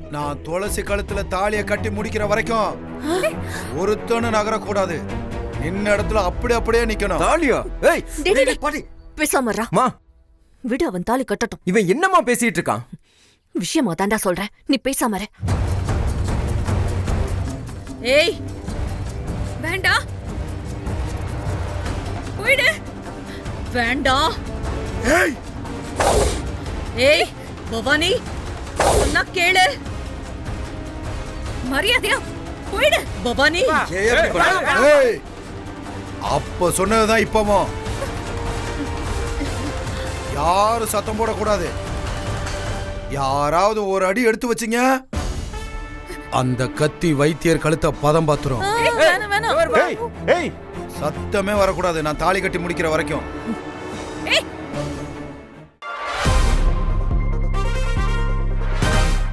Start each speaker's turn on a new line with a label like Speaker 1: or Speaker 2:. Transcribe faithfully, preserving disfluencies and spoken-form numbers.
Speaker 1: நான் துளசி கழுத்துல தாலியை கட்டி முடிக்கிற வரைக்கும் ஒருத்தனு நகரக்கூடாது. நின்ன இடத்துல அப்படி அப்படியே நிக்கணும்.
Speaker 2: தாலியா? ஏய்
Speaker 3: டேய், டேய், டேய்.
Speaker 2: பாட்டி
Speaker 3: பேசாமறா.
Speaker 2: மா,
Speaker 3: விடு, அவன் தாலி கட்டட்டும்.
Speaker 2: இவன் என்னம்மா பேசிட்டு இருக்கான்?
Speaker 3: விஷயமா தாண்டா சொல்றேன், நீ பேசாமற.
Speaker 4: ஏய் வேண்டாம், போயிடு. வேண்டாம்.
Speaker 1: ஏய்
Speaker 4: ஏய் பவானி, சொன்னா கேளு. மரியாதையா போயிடு பவானி.
Speaker 1: ஏய், எப்படி பண்ற? ஏய், அப்ப சொன்னதுதான் இப்பவும். யாரும் சத்தம் போடக்கூடாது. யாராவது ஒரு அடி எடுத்து வச்சீங்க, அந்த கத்தி வைத்தியர் கழுத்த பதம் பாத்துரும்.
Speaker 4: வேணாம் வேணாம்.
Speaker 2: ஏய் ஏய்
Speaker 1: சத்தமே வரக்கூடாது நான் தாலி கட்டி முடிக்கிற வரைக்கும்.
Speaker 4: ஏய்